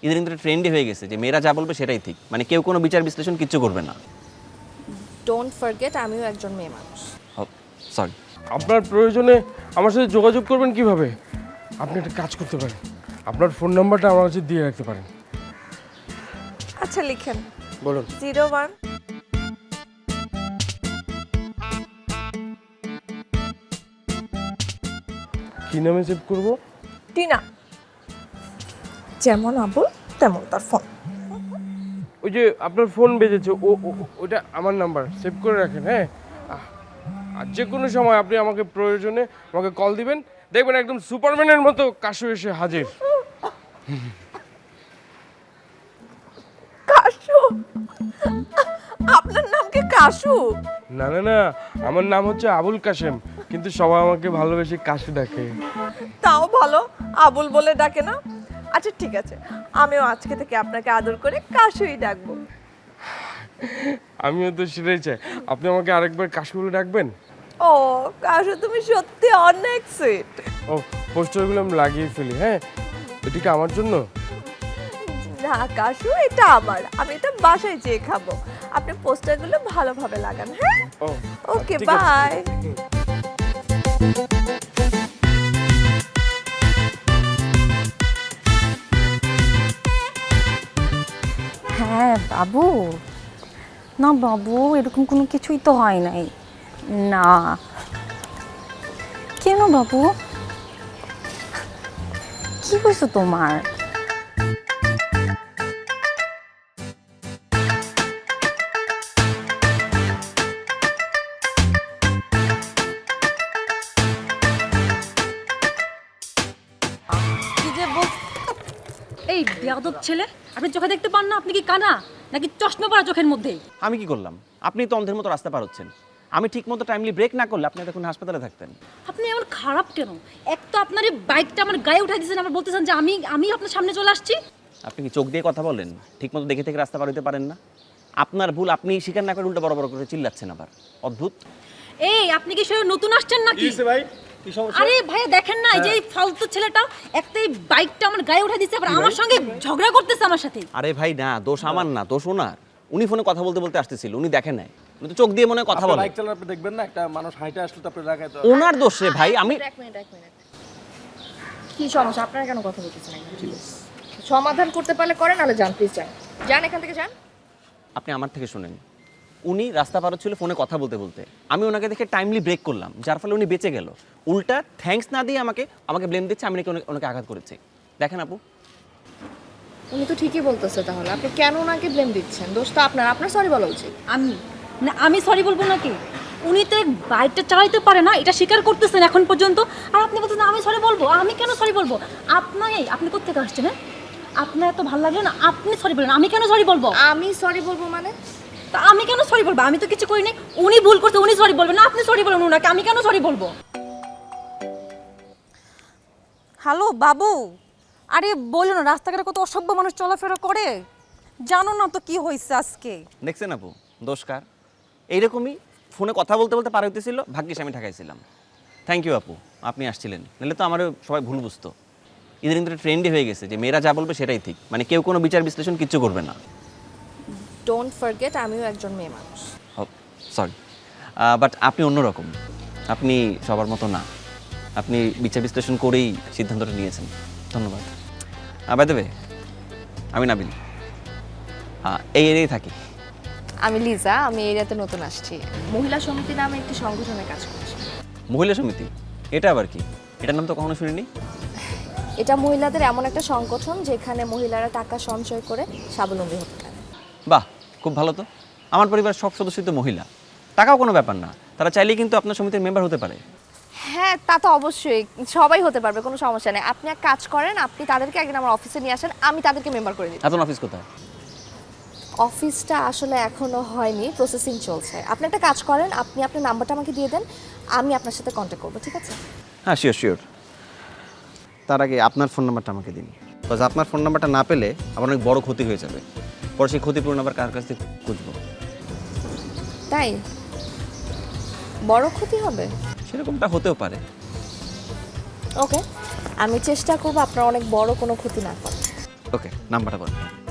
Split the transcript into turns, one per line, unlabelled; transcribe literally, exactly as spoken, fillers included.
ইদানিং তো ট্রেন্ডই হয়ে গেছে যে মেয়েরা যা বলবে সেটাই ঠিক, মানে কেউ কোনো বিচার বিশ্লেষণ কিচ্ছু করবে না।
ডোন্ট ফরগেট আমিও একজন মেয়ে মানুষ।
সরি।
আপনার প্রয়োজনে আমার সাথে যোগাযোগ করবেন কিভাবে? আপনি একটা কাজ করতে পারেন, আপনার ফোন নাম্বারটা আমার কাছে দিয়ে রাখতে পারেন।
আচ্ছা লিখেন।
বলুন।
জিরো ওয়ান
কি নামে সেভ করব?
টিনা। যেমন আবুল তেমন তার ফোন।
ওই যে আপনার ফোন বেজেছে, ও ও- ওটা আমার নাম্বার, সেভ করে রাখেন। হ্যাঁ, আহ, আর যে কোনো সময় আপনি আমাকে প্রয়োজনে আমাকে কল দিবেন, দেখবেন একদম সুপারম্যানের মতো কাশু এসে হাজির।
কাশু? আপনার নাম কি কাশু?
না না না, আমার নাম হচ্ছে আবুল কাশেম, কিন্তু সবাই আমাকে ভালোবেসে কাশু ডাকে।
তাও ভালো, আবুল বলে ডাকে না। আচ্ছা ঠিক আছে, আমিও আজকে থেকে আপনাকে আদর করে কাশুই ডাকবো।
আমিও তো সেটাই চাই, আপনি আমাকে আরেকবার কাশু বলে ডাকবেন।
ও কাশু, তুমি সত্যি অনেক সুইট।
ও, পোস্টারগুলো আমি লাগিয়ে ফেলি। হ্যাঁ, এটা কি আমার জন্য?
না কাশু, এটা আমার, আমি এটা বাসায় যেয়ে খাবো। আপনি পোস্টারগুলো ভালোভাবে লাগান। হ্যাঁ,
ও
ওকে
ঠিক আছে।
বাই।
হ্যাঁ বাবু, না বাবু, এরকম কোনো কিছুই তো হয় নাই। না কেন বাবু, কি হয়েছে তোমার?
কি যে বল, এই বেয়াদব ছেলে, আপনি চোখে দেখতে পান না? আপনি কি কানা নাকি চশমা পরা চোখের মধ্যে?
আমি কি করলাম? আপনি তো অন্ধের মতো রাস্তা পার হচ্ছেন। আমি ঠিক মতো টাইমলি ব্রেক না করলে আপনি এখন হাসপাতালে থাকতেন।
আপনি এমন খারাপ কেন? এক তো আপনার এই বাইকটা আমার গায়ে উঠাই দিয়েছেন, আবার বলতেছেন যে আমি আমি আপনার সামনে চলে আসছি।
আপনি কি চোখ দিয়ে কথা বলেন? ঠিক মতো দেখে থেকে রাস্তা পার হতে পারেন না? আপনার ভুল আপনি স্বীকার না করে উল্টো বড় বড় করে চিল্লাচ্ছেন আবার। অদ্ভুত।
এই আপনি কি সে নতুন আসছেন নাকি?
ভাই, কি সমস্যা?
আরে ভাইয়া দেখেন না, এই যে এই ফালতু ছেলেটা একটা এই বাইকটা আমার গায়ে উঠাই দিয়েছে, আবার আমার সঙ্গে ঝগড়া করতেছে আমার সাথে।
আরে ভাই না, দোষ আমার না, দোষ ওনার। উনি ফোনে কথা বলতে বলতে আসতেছিল, উনি দেখেন নাই। উনি তো চোখ দিয়ে মনে হয় কথা বলে।
বাইক চালান আপনি দেখবেন না, একটা মানুষ হাইটে আসলে তো আপনি রাখায় তো।
ওনার দোষ রে ভাই। আমি
এক মিনিট এক মিনিট কি সমস্যা? আপনারা কেন কথা বলতেছেন? সমাধান করতে পারলে করেন, নাহলে যান প্লিজ, যান যান এখান থেকে যান।
আপনি আমার থেকে শুনেন। উনি রাস্তা পার হচ্ছিল ফোনে কথা বলতে বলতে, আমি ওনাকে দেখে টাইমলি ব্রেক করলাম, যার ফলে উনি বেঁচে গেল। উল্টা থ্যাঙ্কস না দিয়ে আমাকে আমাকে ব্লেম দিচ্ছে আমি নাকি ওনাকে- ওনাকে আঘাত করেছি। দেখেন আপু,
উনি তো ঠিকই বলতেছে, তাহলে আপনি কেন ওনাকে ব্লেম দিচ্ছেন? দোষ তো আপনার, আপনার সরি বলা উচিত।
আমি না, আমি সরি বলবো নাকি? উনি তো এই বাইকটা চালাইতে পারে না, এটা স্বীকার করতেছেন এখন পর্যন্ত, আর আপনি বলছেন আমি সরি বলবো। আমি কেন সরি বলবো? আপনার এই আপনি কোথেকে আসছেন? হ্যাঁ, আপনার এত ভালো লাগলো না, আপনি সরি বলেন, আমি কেন সরি বলবো?
আমি সরি বলবো মানে?
তা আমি কেন সরি বলবো? আমি তো কিছু করিনি। উনি ভুল করছে, উনি সরি বলবেন না, আপনি সরি বলেন উনাকে, আমি কেন সরি বলবো? হ্যালো বাবু, আরে বলো না, রাস্তাঘাটে কত অসভ্য মানুষ চলাফেরা করে, জানো না তো কি হয়েছে আজকে?
দেখছেন আপু দোষকার? এইরকমই ফোনে কথা বলতে বলতে পার হইতেছিল, ভাগ্যিস আমি ঢাকাইছিলাম। থ্যাংক ইউ আপু, আপনি আসছিলেন, নাহলে তো আমারও সবাই ভুল বুঝতো। ইদানিং তো ট্রেন্ডই হয়ে গেছে যে মেয়েরা যা বলবে সেটাই ঠিক, মানে কেউ কোনো বিচার বিশ্লেষণ কিচ্ছু করবে না।
ডোন্ট ফরগেট আমিও একজন মেয়ে মানুষ।
সরি, বাট আপনি অন্যরকম। আপনি সবার মতো না, আপনি বিচার বিশ্লেষণ করেই সিদ্ধান্তটা নিয়েছেন। ধন্যবাদ। বাই দ্য ওয়ে, আমি নাবিল, হ্যাঁ এই এরিয়ায় থাকি।
আমি লিজা, আমি এই এরিয়াতে নতুন আসছি। মহিলা সমিতি নামে একটি সংগঠনে কাজ করছি।
মহিলা সমিতি? এটা আবার কি? এটার নাম তো কখনো শুনিনি।
এটা মহিলাদের এমন একটা সংগঠন যেখানে মহিলারা টাকা সঞ্চয় করে স্বাবলম্বী হতে পারে।
বাহ, খুব ভালো তো। আমার পরিবারের সব সদস্যই তো মহিলা, টাকাও কোনো ব্যাপার না, তারা চাইলেই কিন্তু আপনার সমিতির মেম্বার হতে পারে।
হ্যাঁ তা তো অবশ্যই, সবাই হতে পারবে, কোনো সমস্যা নেই। আপনি এক কাজ করেন, আপনি তাদেরকে একদিন আমার অফিসে নিয়ে আসেন, আমি তাদেরকে মেম্বার করে দিই।
আপনার অফিস কোথায়?
অফিসটা আসলে এখনো হয়নি, প্রসেসিং চলছে। আপনি একটা কাজ করেন, আপনি আপনার নাম্বারটা আমাকে দিয়ে দেন, আমি আপনার সাথে কন্ট্যাক্ট করবো, ঠিক আছে?
হ্যাঁ শিওর শিওর। তার আগে আপনার ফোন নাম্বারটা আমাকে দিন, বিকজ আপনার ফোন নাম্বারটা না পেলে আমার অনেক বড় ক্ষতি হয়ে যাবে। পরে সেই ক্ষতিপূরণ আবার কার কাছ থেকে খুঁজবো?
তাই বড় ক্ষতি হবে?
সেরকমটা হতেও পারে।
ওকে, আমি চেষ্টা করবো আপনার অনেক বড় কোনো ক্ষতি না করে।
ওকে নাম্বারটা বলুন।